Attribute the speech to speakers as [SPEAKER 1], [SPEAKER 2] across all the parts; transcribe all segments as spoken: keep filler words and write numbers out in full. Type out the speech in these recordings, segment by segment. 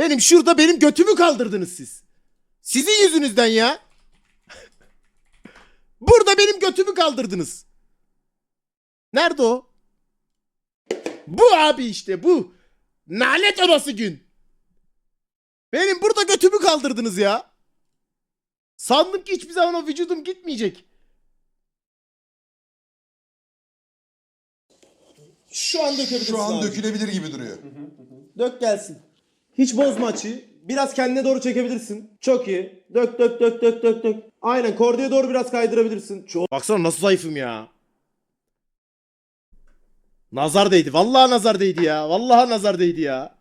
[SPEAKER 1] Benim şurada benim götümü kaldırdınız siz. Sizin yüzünüzden ya. Burada benim götümü kaldırdınız. Nerede o? Bu abi işte bu. Nalet orası gün. Benim burada götümü kaldırdınız ya. Sandım ki hiçbir zaman o vücudum gitmeyecek. Şu an dökebilirsin
[SPEAKER 2] Şu an
[SPEAKER 1] abi.
[SPEAKER 2] dökülebilir gibi duruyor.
[SPEAKER 1] Dök gelsin. Hiç bozma açıyı. Biraz kendine doğru çekebilirsin. Çok iyi. Dök dök dök dök dök dök. Aynen kordiye doğru biraz kaydırabilirsin. Çok... Baksana nasıl zayıfım ya. Nazar değdi. Vallahi nazar değdi ya. Vallahi nazar değdi ya.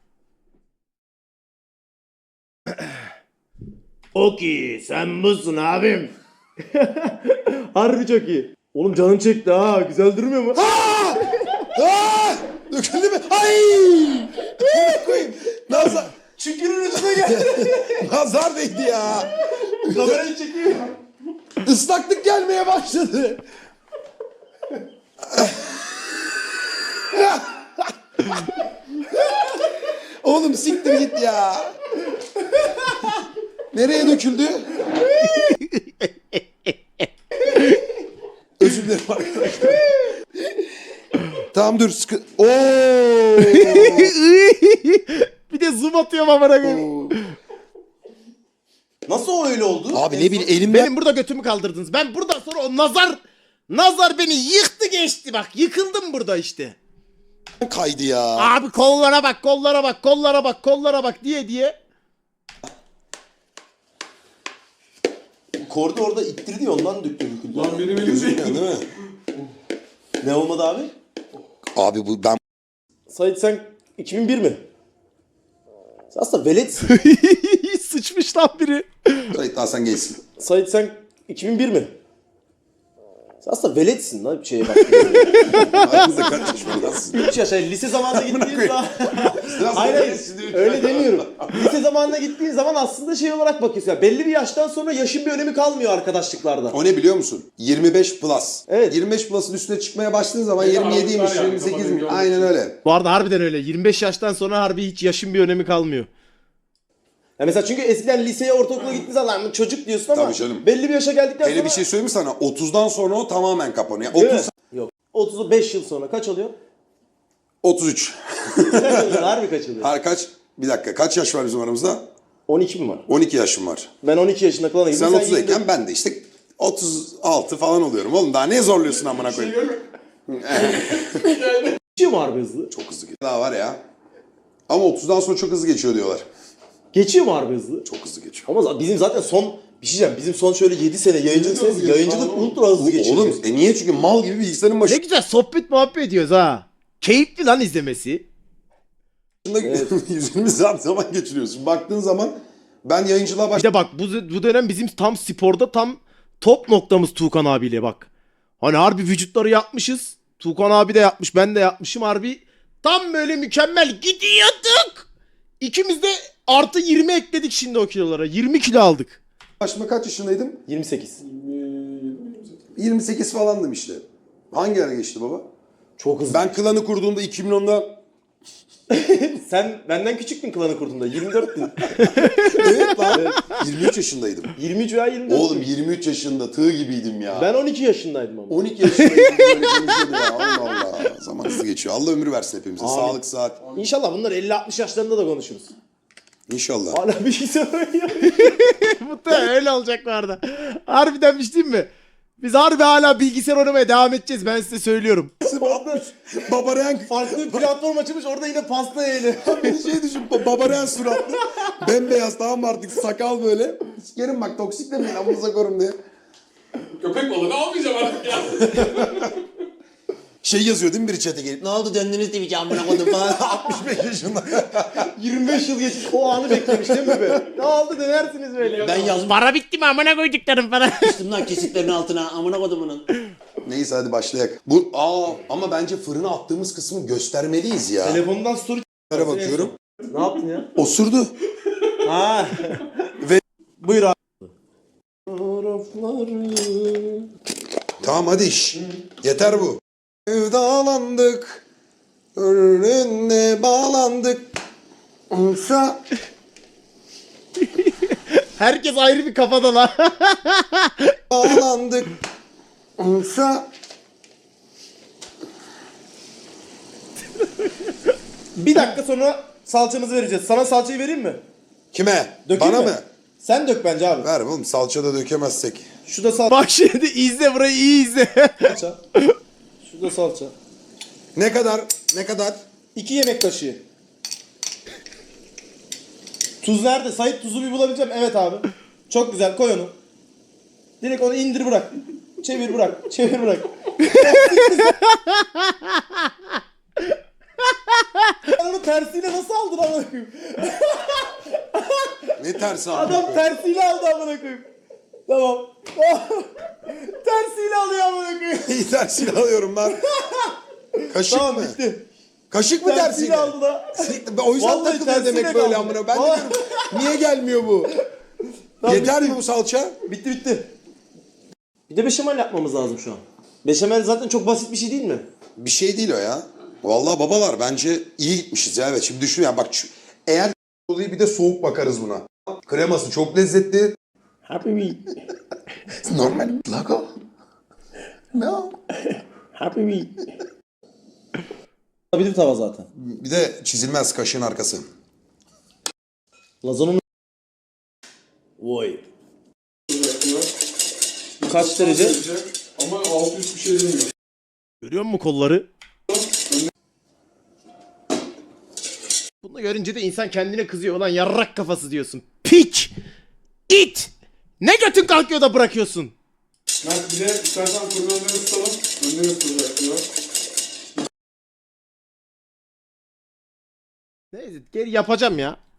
[SPEAKER 1] Okey, sen busun abim. Harbi çok iyi. Oğlum canın çekti ha. Güzel durmuyor mu?
[SPEAKER 2] Aa! Aa! Döküldü mü? Ay! Koyayım. Nazar.
[SPEAKER 1] Çükürün üstüne geldi.
[SPEAKER 2] Nazar değdi ya.
[SPEAKER 1] Kamerayı çekiyor.
[SPEAKER 2] Islaklık gelmeye başladı. Oğlum siktir git ya. Nereye döküldü? Özür dilerim arkadaşlar. Tamam dur sıkı... Oo!
[SPEAKER 1] Bir de zoom atıyorum amına koyayım.
[SPEAKER 3] Nasıl öyle oldu?
[SPEAKER 2] Abi ne bileyim elimden...
[SPEAKER 1] Benim burada götümü kaldırdınız. Ben buradan sonra o nazar nazar beni yıktı geçti bak. Yıkıldım burada işte.
[SPEAKER 2] kaydı ya.
[SPEAKER 1] Abi kollara bak, kollara bak, kollara bak, kollara bak diye diye.
[SPEAKER 3] Kordu orada ittirdi ya ondan döktü döküldü.
[SPEAKER 4] Lan benim elim
[SPEAKER 2] Gözükmüyor
[SPEAKER 4] değil.
[SPEAKER 2] değil mi?
[SPEAKER 3] Ne olmadı abi?
[SPEAKER 2] Abi bu ben...
[SPEAKER 3] Sait sen iki bin bir mi? Sen aslında veletsin.
[SPEAKER 1] Sıçmış lan biri.
[SPEAKER 2] Sait daha sen geçsin.
[SPEAKER 3] Sait sen iki bin bir mi? Sen aslında veletsin lan bir şeye bak.
[SPEAKER 2] Aramızda kaç yaş var nasıl?
[SPEAKER 3] üç yaş yani lise zamanında gittiğin zaman...
[SPEAKER 2] Biraz
[SPEAKER 3] Hayır
[SPEAKER 2] da
[SPEAKER 3] hayır
[SPEAKER 2] geçsin diye üç
[SPEAKER 3] öyle
[SPEAKER 2] yaş.
[SPEAKER 3] demiyorum. Lise zamanına gittiğin zaman aslında şey olarak bakıyorsun. Yani belli bir yaştan sonra yaşın bir önemi kalmıyor arkadaşlıklarda.
[SPEAKER 2] O ne biliyor musun? yirmi beş plus.
[SPEAKER 3] Evet.
[SPEAKER 2] yirmi beş plus'ın üstüne çıkmaya başladığın zaman
[SPEAKER 4] Evet,
[SPEAKER 2] yirmi yediymiş,
[SPEAKER 4] aralıklar yani,
[SPEAKER 2] yirmi sekizmiş.
[SPEAKER 4] kafanın
[SPEAKER 2] Aynen
[SPEAKER 4] görmesi.
[SPEAKER 2] öyle.
[SPEAKER 1] Bu arada harbiden öyle. yirmi beş yaştan sonra harbi hiç yaşın bir önemi kalmıyor.
[SPEAKER 3] Ya mesela çünkü eskiden liseye, ortaokula gittiğin zaman çocuk diyorsun ama
[SPEAKER 2] Tabii canım.
[SPEAKER 3] belli bir yaşa geldikten
[SPEAKER 2] Hele
[SPEAKER 3] sonra...
[SPEAKER 2] bir şey söyleyeyim mi sana? otuzdan sonra o tamamen kapanıyor.
[SPEAKER 3] Değil
[SPEAKER 2] otuz,
[SPEAKER 3] mi? Yok. otuz beş yıl sonra kaç oluyor?
[SPEAKER 2] otuz üç.
[SPEAKER 3] Kaç oluyor? Harbi kaç oluyor?
[SPEAKER 2] Her kaç? Bir dakika. Kaç yaş var bizim aramızda?
[SPEAKER 3] on iki mi var?
[SPEAKER 2] on iki yaşım var.
[SPEAKER 3] Ben on iki yaşında falan
[SPEAKER 2] Sen
[SPEAKER 3] gittim.
[SPEAKER 2] otuzdayken ben de işte otuz altı falan oluyorum. Oğlum daha ne zorluyorsun amına koyayım?
[SPEAKER 3] Geçiyor mu harbi hızlı?
[SPEAKER 2] Çok hızlı geçiyor. Daha var ya. Ama otuzdan sonra çok hızlı geçiyor diyorlar.
[SPEAKER 3] Geçiyor mu harbi hızlı?
[SPEAKER 2] Çok hızlı geçiyor.
[SPEAKER 3] Ama bizim zaten son bir şey diyeceğim. Bizim son şöyle yedi sene yayıncılık senesi yayıncılık ultra hızlı geçiyor.
[SPEAKER 2] Oğlum e niye? Çünkü mal gibi bilgisayarın
[SPEAKER 1] Ne
[SPEAKER 2] başında
[SPEAKER 1] güzel sohbet muhabbet ediyoruz ha. Keyifli lan izlemesi.
[SPEAKER 2] yüz yirmi saat zaman geçiriyorsun. Baktığın zaman ben yayıncılığa
[SPEAKER 1] Bir
[SPEAKER 2] başladım.
[SPEAKER 1] de bak bu, bu dönem bizim tam sporda tam top noktamız Tuğkan abiyle bak. Hani harbi vücutları yapmışız. Tuğkan abi de yapmış, ben de yapmışım harbi. Tam böyle mükemmel gidiyorduk. İkimiz de artı yirmi ekledik şimdi o kilolara. yirmi kilo aldık.
[SPEAKER 2] Başıma kaç yaşındaydım?
[SPEAKER 3] yirmi sekiz.
[SPEAKER 2] yirmi sekiz falandım işte. Hangi ara geçti baba?
[SPEAKER 3] Çok hızlı.
[SPEAKER 2] Ben klanı kurduğumda iki bin onda
[SPEAKER 3] Sen benden küçüktün klanı kurduğunda. yirmi dörttün.
[SPEAKER 2] evet lan. yirmi üç yaşındaydım.
[SPEAKER 3] yirmi üç veya yirmi dört.
[SPEAKER 2] Oğlum yirmi üç yaşında tığ gibiydim ya.
[SPEAKER 3] Ben on iki yaşındaydım ama.
[SPEAKER 2] on iki yaşındaydım böyle konuşuyordu ya. Allah Allah. Zaman hızlı geçiyor. Allah ömür versin hepimize.
[SPEAKER 3] Amin.
[SPEAKER 2] Sağlık, saat.
[SPEAKER 3] İnşallah bunlar elli altmış yaşlarında da konuşuruz.
[SPEAKER 2] İnşallah.
[SPEAKER 3] Hala bir şey söylüyor.
[SPEAKER 1] Muhtemelen öyle olacak bu arada. Harbiden bir şey diyeyim mi? Biz harbi hala bilgisayar oynamaya devam edeceğiz. Ben size söylüyorum.
[SPEAKER 2] Babaren
[SPEAKER 3] Farklı bir platform açılmış orada yine pasta yayını.
[SPEAKER 2] bir şey düşün. Babaren suratlı. Bembeyaz tamam mı artık sakal böyle. Sikerim bak toksik demeyin amınıza korum diye.
[SPEAKER 4] Köpek balığı almayacağım artık ya.
[SPEAKER 2] Şey yazıyor değil mi biri chat'e gelip?
[SPEAKER 3] Ne oldu döndünüz Twitch'e amına koydum falan.
[SPEAKER 2] altmış beş yaşında.
[SPEAKER 3] yirmi beş yıl geçmiş o anı beklemiş değil mi be? Ne oldu dönersiniz böyle ya.
[SPEAKER 5] Ben yazmıştım
[SPEAKER 1] Para bitti mi amına koyduklarım para.
[SPEAKER 5] lan kesitlerin altına amına kodumunun.
[SPEAKER 2] Neyse hadi başlayak. Bu aa ama bence fırına attığımız kısmı göstermeliyiz ya.
[SPEAKER 3] Telefondan story
[SPEAKER 2] Nereye bakıyorum?
[SPEAKER 3] Ne yaptın ya?
[SPEAKER 2] Osurdu.
[SPEAKER 3] Ha.
[SPEAKER 2] Ve-
[SPEAKER 3] Buyur abi.
[SPEAKER 2] Tamam hadi iş. Yeter bu. Sevdalandık. Önüne bağlandık. Sa
[SPEAKER 1] Herkes ayrı bir kafada lan.
[SPEAKER 2] Bağlandık. Sa
[SPEAKER 3] Bir dakika sonra salçamızı vereceğiz. Sana salçayı vereyim mi?
[SPEAKER 2] Kime?
[SPEAKER 3] Dökeyim
[SPEAKER 2] Bana
[SPEAKER 3] mi?
[SPEAKER 2] mı?
[SPEAKER 3] Sen dök bence abi.
[SPEAKER 2] Ver oğlum, salça da dökemezsek.
[SPEAKER 3] Şu da salça.
[SPEAKER 1] Bak şimdi izle burayı, iyi izle.
[SPEAKER 3] Şu da salça.
[SPEAKER 2] Ne kadar? Ne kadar?
[SPEAKER 3] İki yemek kaşığı. Tuz nerede? Sait tuzu bir bulabileceğim. Evet abi. Çok güzel, koy onu. Direkt onu indir bırak. Çevir bırak. Çevir bırak. Sen onu tersiyle nasıl aldın amına koyayım?
[SPEAKER 2] Ne tersi abi?
[SPEAKER 3] Adam tersiyle aldı amına koyayım. Tamam. Tersiyle alıyor amına koyayım.
[SPEAKER 2] İyi tersiyle alıyorum ben. Kaşık
[SPEAKER 3] Tamam
[SPEAKER 2] mı?
[SPEAKER 3] bitti.
[SPEAKER 2] Kaşık mı
[SPEAKER 3] Tersiyle
[SPEAKER 2] tersiyle?
[SPEAKER 3] aldı da.
[SPEAKER 2] Siktir, ben o yüzden
[SPEAKER 3] Vallahi
[SPEAKER 2] takılıyor
[SPEAKER 3] tersiyle
[SPEAKER 2] demek böyle
[SPEAKER 3] kaldı.
[SPEAKER 2] amına. Ben de
[SPEAKER 3] Vallahi-
[SPEAKER 2] diyorum, niye gelmiyor bu?
[SPEAKER 3] Tamam,
[SPEAKER 2] Yeter
[SPEAKER 3] bitti.
[SPEAKER 2] mi bu salça?
[SPEAKER 3] Bitti bitti. Bir de beşamel yapmamız lazım şu an. Beşamel zaten çok basit bir şey değil mi?
[SPEAKER 2] Bir şey değil o ya. Vallahi babalar bence iyi gitmişiz ya. Evet, şimdi düşün ya bak, şu- eğer oluyor bir de soğuk bakarız buna. Kreması çok lezzetli.
[SPEAKER 3] Happy me.
[SPEAKER 2] Normal logo. No.
[SPEAKER 3] Happy me. Bir tava zaten.
[SPEAKER 2] Bir de çizilmez kaşığın arkası.
[SPEAKER 3] Lazanın Vay. Kaç derece?
[SPEAKER 4] Ama altı üst bir şey demiyor.
[SPEAKER 1] Görüyor musun kolları? Bunu görünce de insan kendine kızıyor. Ulan yarrak kafası diyorsun. Piç! İt! Ne götün kalkıyor da bırakıyorsun?
[SPEAKER 4] Mert bir de istersen fırın önleri tutalım. Önleri tutacak diyor.
[SPEAKER 1] Neyse geri yapacağım ya.